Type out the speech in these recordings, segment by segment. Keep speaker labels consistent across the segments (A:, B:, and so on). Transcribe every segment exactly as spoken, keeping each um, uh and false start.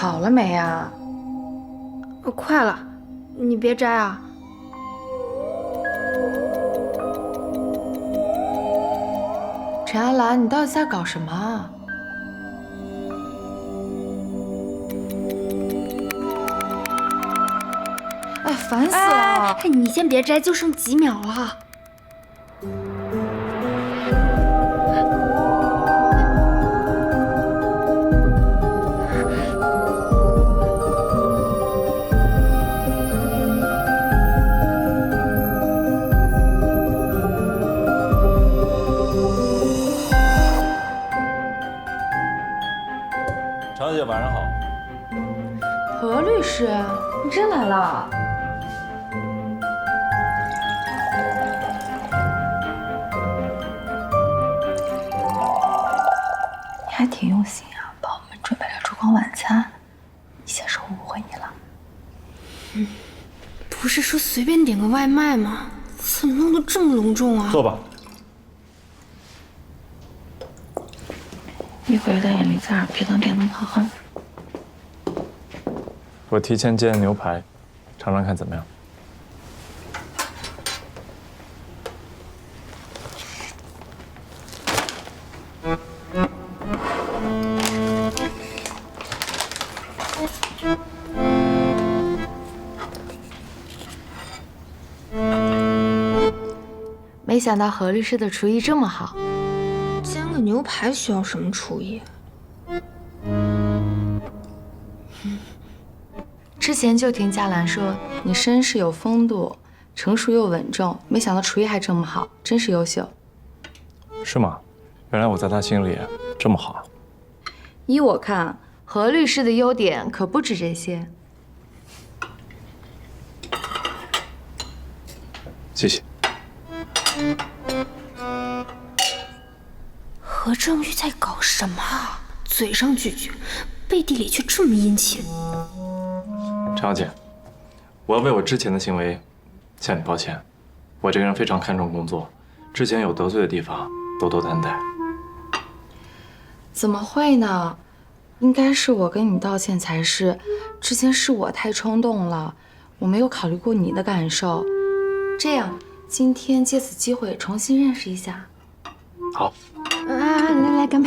A: 好了没啊？
B: 快了，你别摘啊。
A: 陈安兰，你到底在搞什么啊？哎，烦死了！
B: 哎，你先别摘，就剩几秒了。
C: 常小姐，晚上好。
A: 何律师，你真来了。你还挺用心啊，帮我们准备了烛光晚餐。先生误会你了。
B: 嗯，不是说随便点个外卖吗？怎么弄得这么隆重啊？
C: 坐吧。
A: 一会儿有点眼力劲儿，别当电灯泡哈。
C: 我提前煎牛排，尝尝看怎么样？
A: 没想到何律师的厨艺这么好。
B: 煎个牛排需要什么厨艺？
A: 之前就听嘉兰说你绅士有风度，成熟又稳重，没想到厨艺还这么好，真是优秀。
C: 是吗？原来我在他心里这么好。
A: 依我看，何律师的优点可不止这些。
C: 谢谢。
B: 何正玉在搞什么啊？嘴上拒绝，背地里却这么殷勤。
C: 陈小姐，我要为我之前的行为向你抱歉。我这个人非常看重工作，之前有得罪的地方，多多担待。
A: 怎么会呢？应该是我跟你道歉才是。之前是我太冲动了，我没有考虑过你的感受。这样，今天借此机会重新认识一下。
C: 好。
A: 啊，来来，干杯！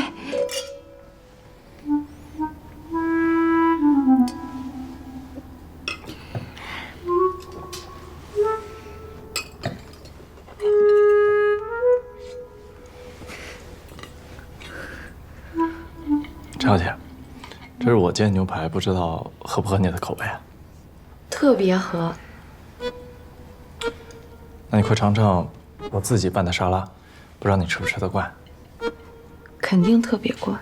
C: 陈小姐，这是我煎牛排，不知道合不合你的口味啊？
A: 特别合。
C: 那你快尝尝我自己拌的沙拉，不知道你吃不吃得惯？
A: 肯定特别惯。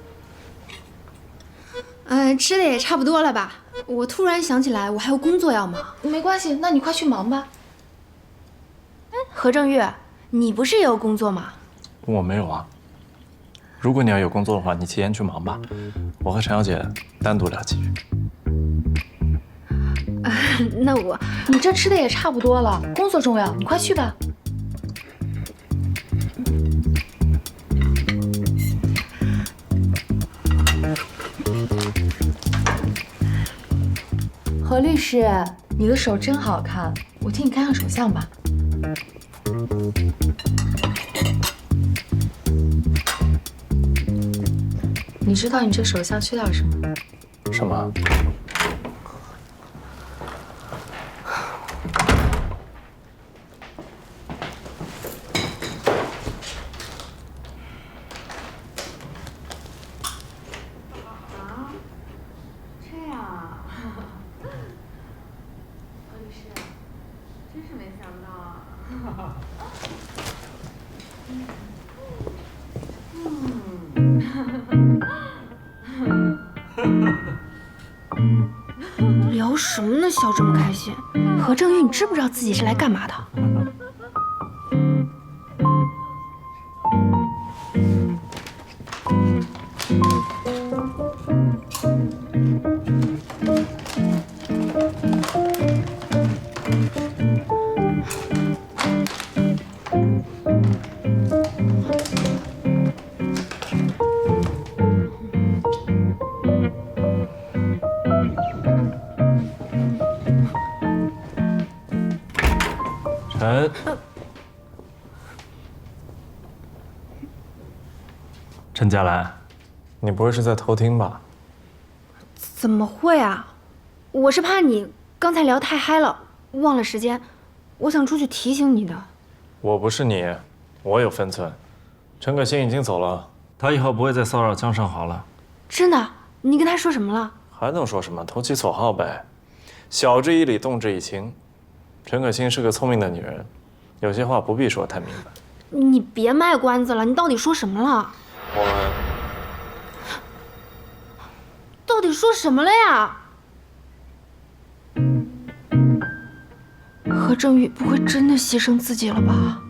B: 嗯，吃的也差不多了吧？我突然想起来，我还有工作要忙。
A: 没关系，那你快去忙吧。
B: 哎，何正玉，你不是也有工作吗？
C: 我没有啊。如果你要有工作的话，你提前去忙吧。我和陈小姐单独聊几句。
B: 啊，那我……
A: 你这吃的也差不多了，工作重要，你快去吧。何律师，你的手真好看，我替你看看手相吧。你知道你这手相缺点什么？
C: 什么？
B: 聊什么呢？笑这么开心。何正玉，你知不知道自己是来干嘛的？
C: 陈，陈佳兰，你不会是在偷听吧？
B: 怎么会啊？我是怕你刚才聊太嗨了，忘了时间，我想出去提醒你的。
C: 我不是你，我有分寸。陈可辛已经走了，他以后不会再骚扰江尚豪了。
B: 真的？你跟他说什么了？
C: 还能说什么？投其所好呗。晓之以理，动之以情。陈可辛是个聪明的女人，有些话不必说太明白。
B: 你别卖关子了，你到底说什么了？
C: 我们
B: 到底说什么了呀？何正宇不会真的牺牲自己了吧？